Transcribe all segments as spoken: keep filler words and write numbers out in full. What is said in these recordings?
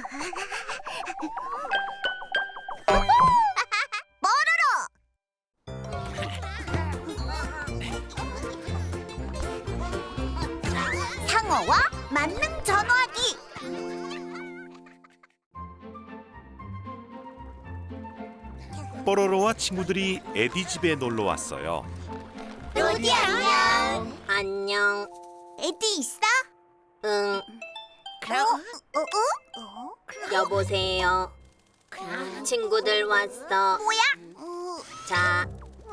상어와 만능 전화기. 뽀로로와 친구들이 에디 집에 놀러 왔어요. 로디 안녕. 안녕. 에디 있어? 응. 그럼 어? 어? 어? 여보세요. 친구들 왔어. 뭐야? 자,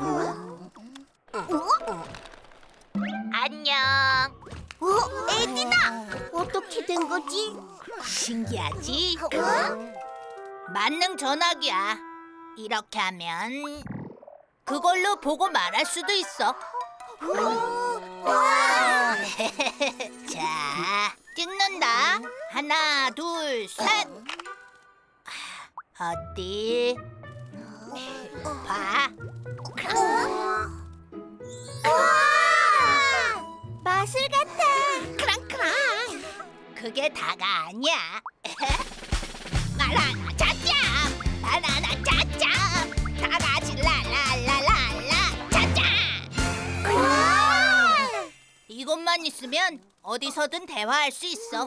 안녕. 어? 에디다. 어떻게 된 거지? 신기하지? 어? 만능 전화기야. 이렇게 하면 그걸로 보고 말할 수도 있어. 와! 자, 찍는다. 하나, 둘, 셋. 어디? 봐. 마술 같아. 크랑크랑. 그게 다가 아니야. 바나나 짜짜. 바나나 짜짜. 다 같이 라라라라라 짜짜. 이것만 있으면 어디서든 대화할 수 있어.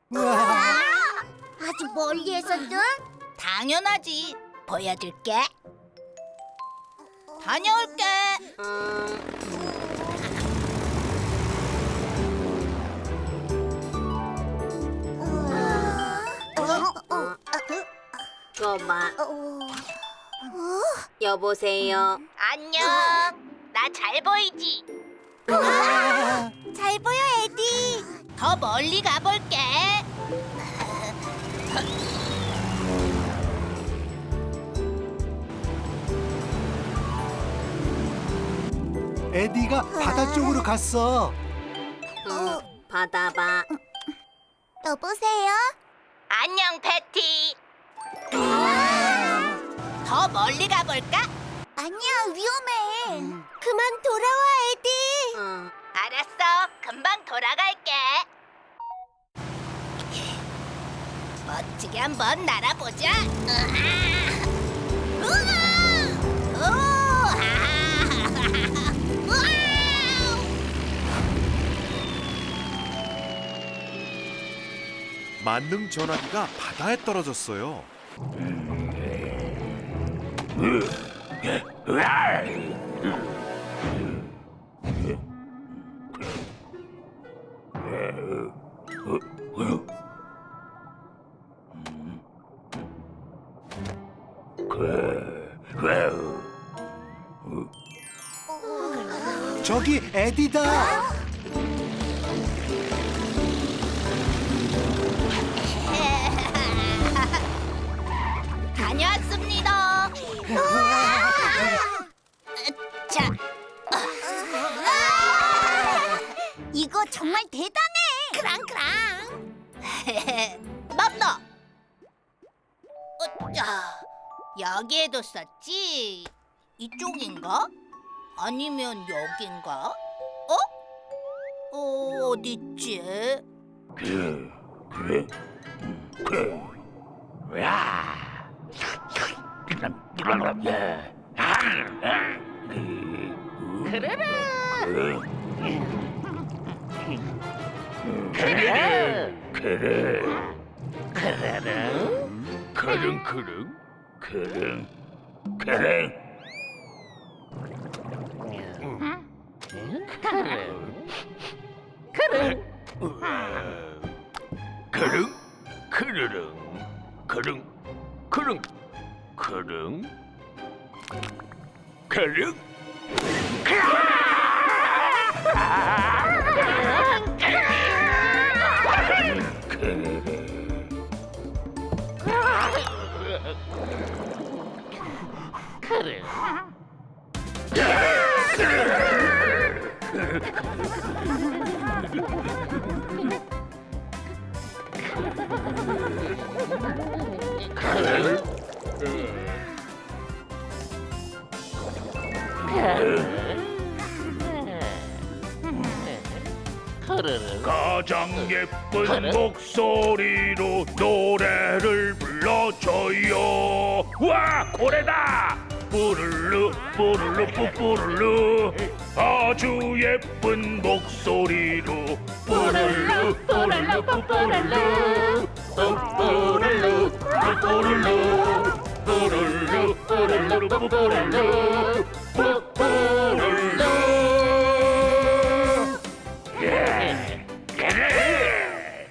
아주 멀리에서든? 당연하지. 보여줄게. 다녀올게. 줘봐. 여보세요. 안녕. 나 잘 보이지? 잘 보여, 에디. 더 멀리 가볼게. 에디가 바다 쪽으로 갔어. 응, 받아봐. 여보세요? 안녕, 패티. 더 멀리 가볼까? 아니야, 위험해. 그만 돌아와, 에디. 응. 알았어. 금방 돌아갈게. 멋지게 한번 날아보자. 으아! 우와! 우와! 만능 전화기가 바다에 떨어졌어요. 저기 에디다. 다녀왔습니다. 자, 이거 정말 대단해. 크랑크랑. 맘너. 어짜, 여기에도 썼지. 이쪽인가? 아니면 여긴가? 어? 어, 어딨지? 그릉 그릉 그릉 그릉 그릉 그르릉 그릉 그릉 그릉 그릉 가장 예쁜 목소리로 노래를 불러줘요. 와, 고래다. 뿌르르 뿌르르 뿌뿌르르 아주 예쁜 목소리로 뿌르르 뿌르르 뿌뿌르르 뿌뿌르르 뿌뿌르르 뿌르르 뿌르르 뿌뿌르르 뿌뿌르르 예, 그래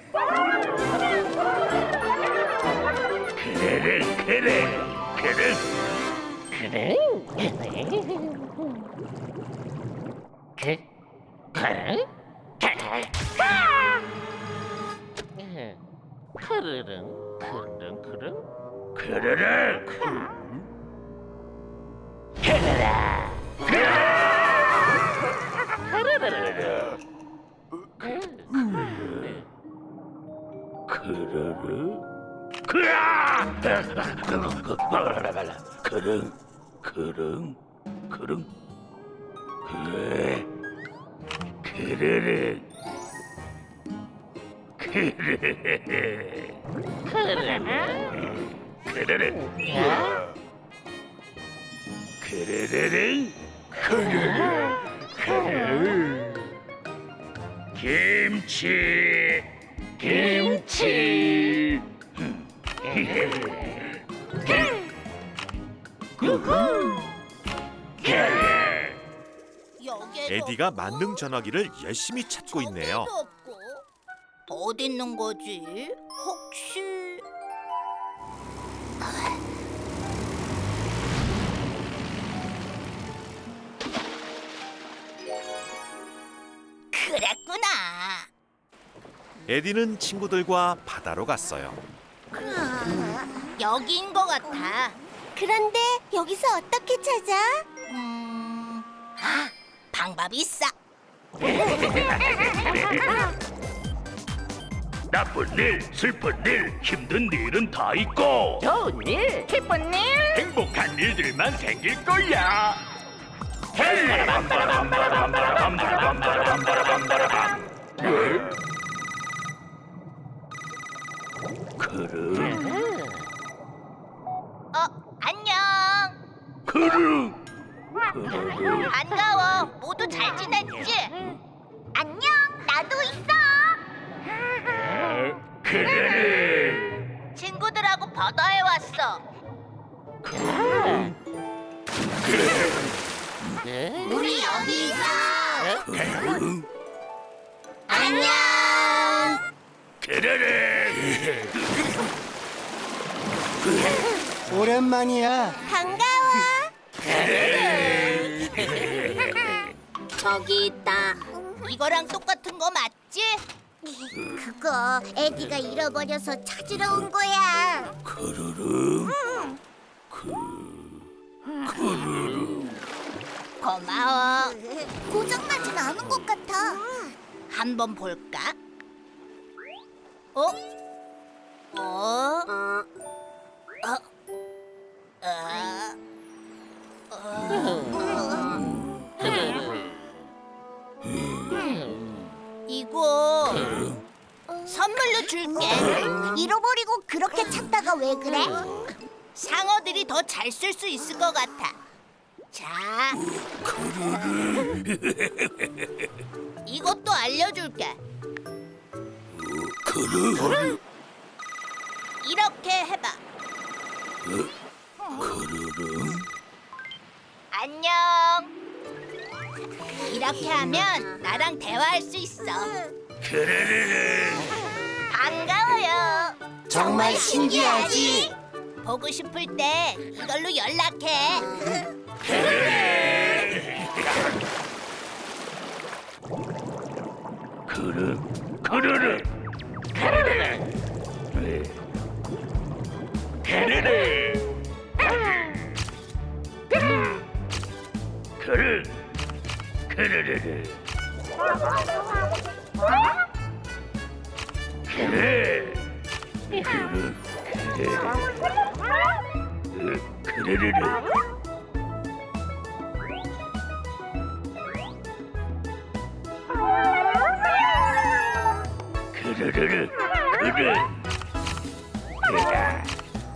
그래 그래 그래 그래? 그, 그래? 그르릉, 그르릉, 그르릉, 그래래 그르라. 그르르 그야 그릉 그릉 그릉 그래 그르르 그르르 그르르 그르르 그르르 그르르 김치 김치 여기에도 에디가 없고, 만능 전화기를 열심히 찾고 있네요. 저기에도 없고. 어디 있는 거지? 혹시 그랬구나. 에디는 친구들과 바다로 갔어요. 여기인 것 같아. 그런데 여기서 어떻게 찾아? 음, 아, 방법이 있어. 나쁜 일 슬픈 일 힘든 일은 다 있고 좋은 일, 기쁜 일. 행복한 일들만 생길 거야. 헤이! 빰바라밤바라밤바라밤바라밤바라밤바라밤. 그릉 어, 안녕. 그릉 그릉 반가워. 모두 잘 지냈지? 안녕, 나도 있어. 그래 친구들하고 바다에 왔어. 우리 여기 있어. 그릉 안녕. 그래 오랜만이야. 반가워. 저기 있다. 이거랑 똑같은 거 맞지? 그거 에디가 잃어버려서 찾으러 온 거야. 그르릉 고마워. 고장나진 않은 것 같아. 한번 볼까? 어? 어? 어, 어? 어? 어? 이거 선물로 줄게. 잃어버리고 그렇게 찾다가 왜 그래? 상어들이 더 잘 쓸 수 있을 것 같아. 자, 이것도 알려줄게. 그르릉 이렇게 해봐. 그르릉 안녕. 이렇게 하면 나랑 대화할 수 있어. 그르릉 반가워요. 정말 신기하지? 보고 싶을 때 이걸로 연락해. 그릉 그르릉 그르릉 그르릉 그르 그르르르 그래 그르 그르 그르르르 그르르르 그르 그라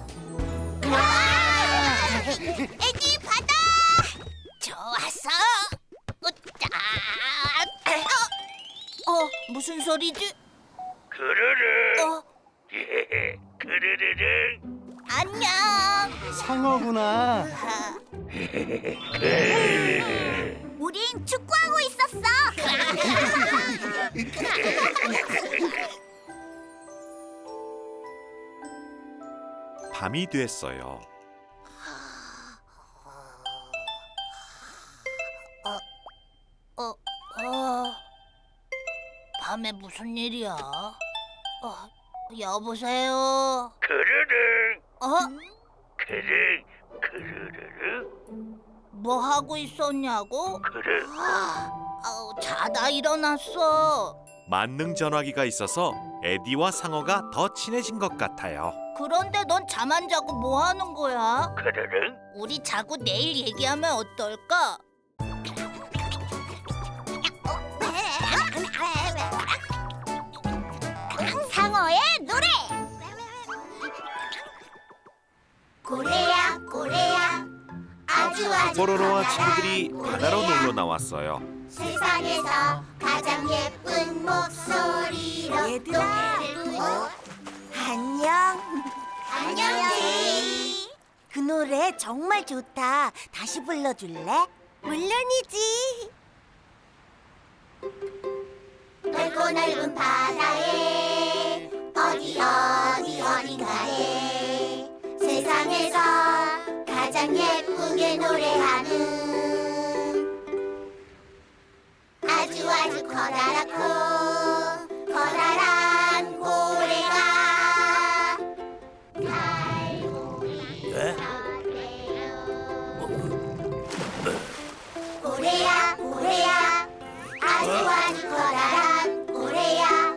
에디 바다. 좋았어. 으짜. 어, 어, 무슨 소리지? 그르르 어, 그르르르 안녕. 상어구나. 우린 축구하고 있었어. 밤이 됐어요. 어, 어, 밤에 무슨 일이야? 어, 여보세요. 그르르 어? 그르 그르르르 뭐 하고 있었냐고? 그르 아우, 자다 일어났어. 만능 전화기가 있어서 에디와 상어가 더 친해진 것 같아요. 그런데 넌 잠 안 자고 뭐 하는 거야? 그르르 우리 자고 내일 얘기하면 어떨까? 상어의 노래. 고래야 고래야 아주 아주 뽀로로와 커다란 친구들이 바다로 고래야. 놀러 나왔어요. 세상에서 가장 예쁜 목소리로 얘들아. 노래를 부르고 안녕. 안녕 제이. 그 노래 정말 좋다. 다시 불러줄래? 물론이지. 넓고 넓은 바다에 어디 어디 어딘가에 세상에서 가장 예쁘게 노래하는 아주 아주 커다랗고 커다란 고래가 고래야 고래야 아주 아주 커다란 고래야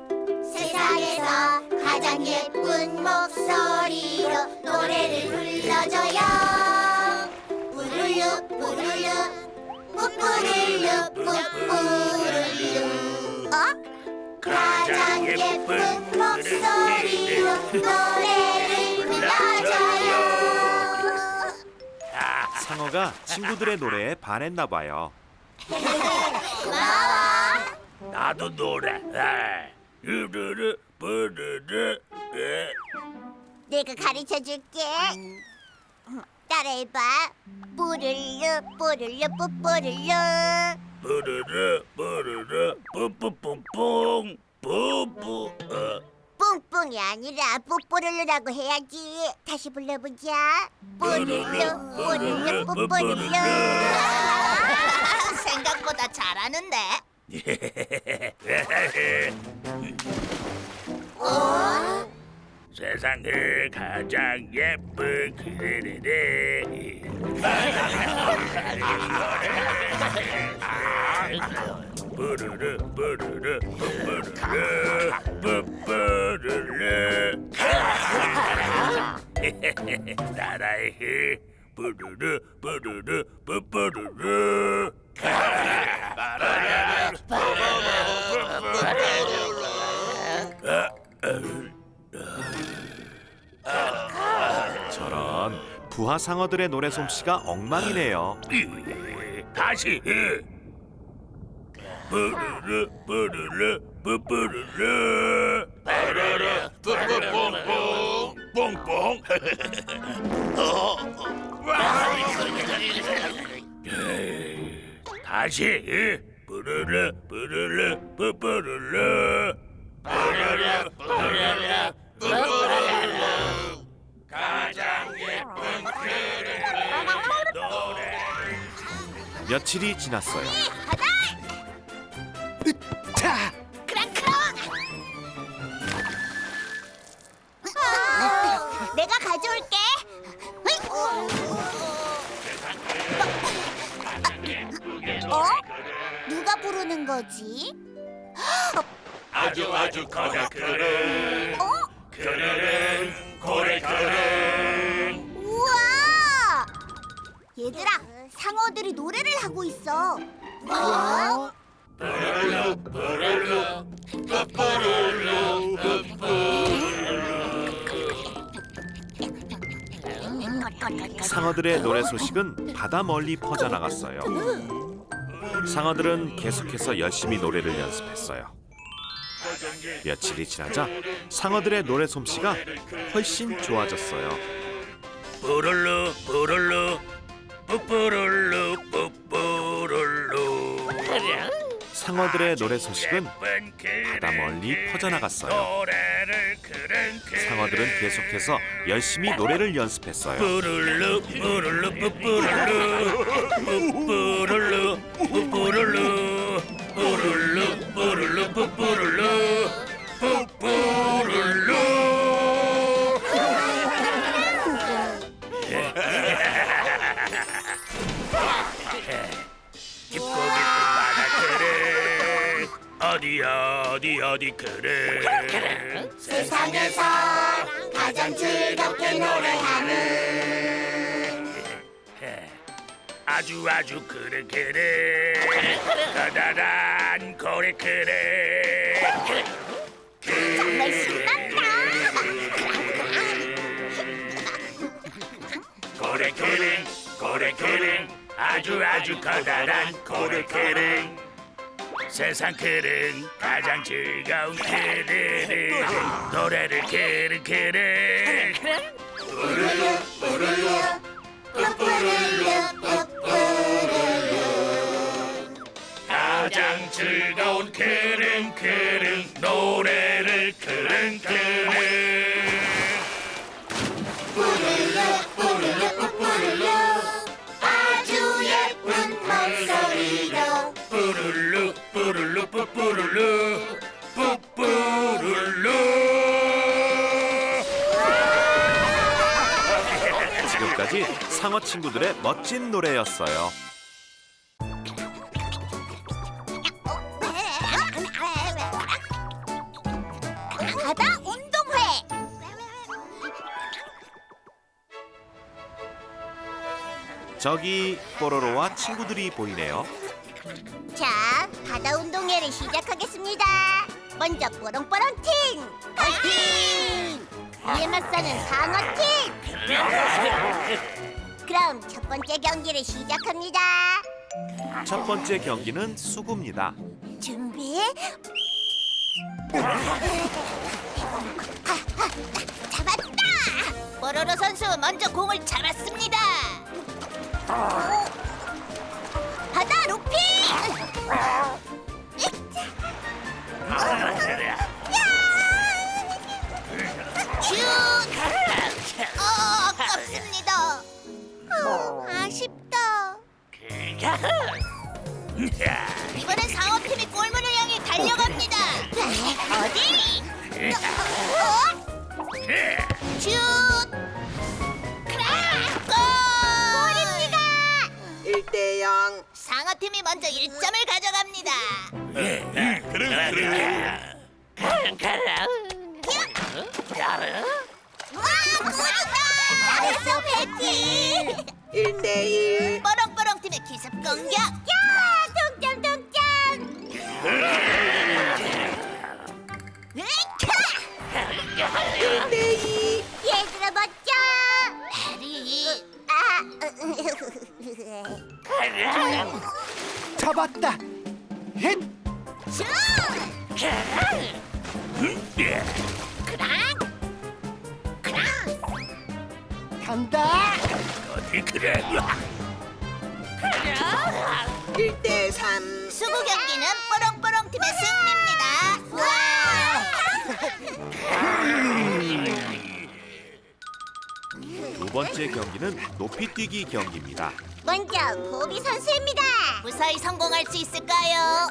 세상에서 가장 예쁜 목소리로 노래를 불러줘요. 뿌르르 뿌르르 뿌뿌르르 뿌뿌르르 어? 가장 예쁜 목소리로 노래를 불러줘요. 상어가 친구들의 노래에 반했나 봐요. 고마워. 나도 노래 아, 으르르 뿌르르 에. 내가 가르쳐 줄게. 따라해봐. 뿌르르 뿌르르 뿌뿌르르. 뿌르르 뿌르르 뿌뿌뿡뿡 뿌뿌 어. 뿡뿡이 아니라 뿌뿌르르라고 해야지. 다시 불러보자. 뿌르르 뿌르르 뿌뿌르르. 생각보다 잘하는데. 어? 세상을 가장 예쁜 그르르 뿌르르 뿌르르 뿌뿌르르 뿌뿌르르 따라해 뿌르르 뿌르르 뿌뿌르르 저런 부하 상어들의 노래 솜씨가 엉망이네요. 다시 뿌르르 뿌르르 뿌뿌르르 뿌르르 뿌뿌뿡뿡 뿡뿡 다시 뿌르르 뿌르르 뿌뿌르르 뿌르르 뿌르르 뿌뿌르르 가장 예쁜 그르르 노래 며칠이 지났어요. 자, 어, 내가 가져올게. 어? 누가 부르는 거지? 아주 아주 커다 그르르 어? 그르르 고래 그르르 우와! 얘들아, 상어들이 노래를 하고 있어. 뭐? 뿌르르 뿌르르 상어들의 노래 소식은 바다 멀리 퍼져나갔어요. 상어들은 계속해서 열심히 노래를 연습했어요. 며칠이 지나자 상어들의 노래 솜씨가 훨씬 좋아졌어요. 뽀롤루 뽀롤루 뽀뽀롤루 뽀뽀롤루. 상어들의 노래 소식은 바다 멀리 퍼져나갔어요. 상어들은 계속해서 열심히 노래를 연습했어요. 뽀롤루 뽀롤루 뽀뽀롤루 뽀뽀롤루 뽀뽀롤루 뽀롤루 뽀롤루 뽀뽀롤루 뽀뽀롤루. 깊고 깊은 바다 그래 어디 어디 어디 그래 세상에서 가장 즐겁게 노래하는 아주 아주 그래 그래 커다란 고래 그래 정말 신난다. 고래 그래 고래 그래 아주 아주 커다란 고래 그래 세상 그릉 가장 즐거운 그릉 노래를 그릉 그릉 뽀로로 뽀로로 뽀뽀로로 뽀뽀로로 가장 즐거운 그릉 그릉 노래를 그릉 그릉 뽀로로 뽀로로 뽀뽀로로 아주 예쁜 목소리로 뽀르르 뽀르르 뽀뽀르르 뽀뽀르르. 지금까지 상어 친구들의 멋진 노래였어요. 바다 운동회. 저기 뽀로로와 친구들이 보이네요. 자, 바다 운동회를 시작하겠습니다. 먼저 뽀롱뽀롱 팀 파이팅! 이에 맞서는 상어 팀. 그럼 첫 번째 경기를 시작합니다. 첫 번째 경기는 수구입니다. 준비. 잡았다. 뽀로로 선수 먼저 공을 잡았습니다. 바다 루피. 슛! 어, 아깝습니다. 어, 아쉽다. 이번엔 상어팀이 골문을 향해 달려갑니다. 어디? 슛! 크락! 골! 골입니다. 일 대 영. 상어팀이 먼저 일 점을 가져갑니다. 와, 골이다. 잘했어, 베티. 일 대 일. 뽀롱뽀롱 팀의 기습 공격. 야, 동점 동점. 일 대 이. 얘들아 멋져. 해리. 아. 잡았다. 힛! 슛! 간다. 어디 그래 일 대 삼. 수구 경기는 뽀롱뽀롱 팀의 승리입니다. 두 번째 경기는 높이뛰기 경기입니다. 먼저 보비 선수입니다. 무사히 성공할 수 있을까요?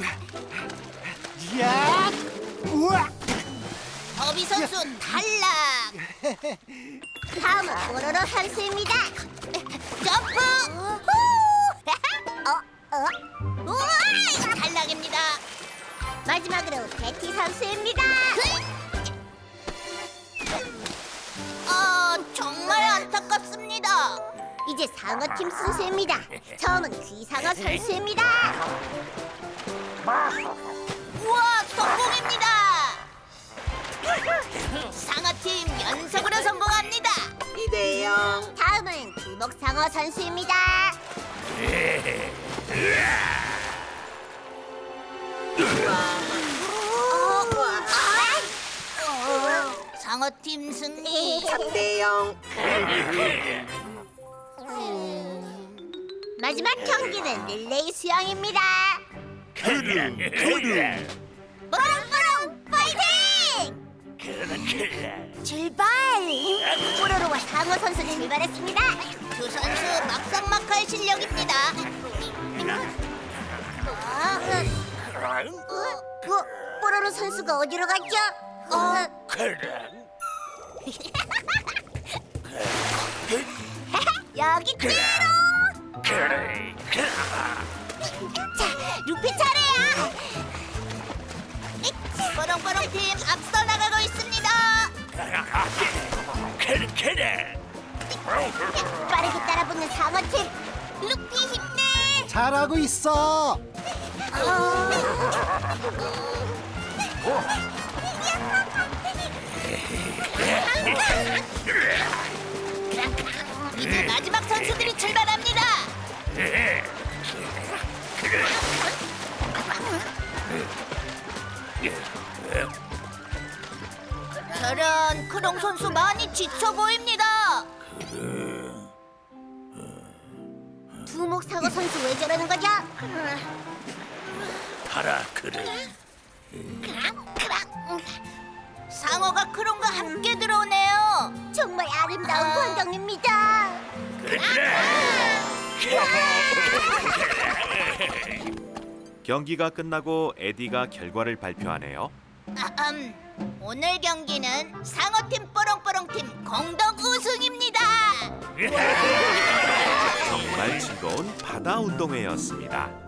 야! 우와! 버비 선수 탈락. 다음은 뽀로로 선수입니다. 점프. 어? 어? 우와! 탈락입니다. 마지막으로 베티 선수입니다. 어, 정말 안타깝습니다. 이제 상어팀 순서입니다. 처음은 귀상어 선수입니다. 우와, 성공입니다. 상어팀 연속으로 성공합니다. 이 대 영. 다음은 두목상어 선수입니다. 상어팀 승리. 삼 대 영. 마지막 경기는 릴레이 수영입니다. 크릉 크릉 뽀롱뽀롱 파이팅! 출발! 뽀로로와 상어 선수 출발했습니다. 두 선수 막상막하의 실력입니다. 어, 뽀, 뽀로로 선수가 어디로 갔죠? 어, 여기 띠로! 자, 루피 차례야! 뽀롱뽀롱 팀 앞서 나가고 있습니다. 빠르게 따라붙는 상어팀 루피 힘내! 잘하고 있어. 이제 마지막 선수들이 출발합니다. 저런 크롱 선수 많이 지쳐 보입니다. 두목 상어 선수 왜 저러는 거죠? 하라 크릉 상어가 크롱과 함께 들어오네요. 정말 아름다운 광경입니다. 경기가 끝나고 에디가 결과를 발표하네요. 아흠, 오늘 경기는 상어팀 뽀롱뽀롱팀 공동 우승입니다. 정말 즐거운 바다 운동회였습니다.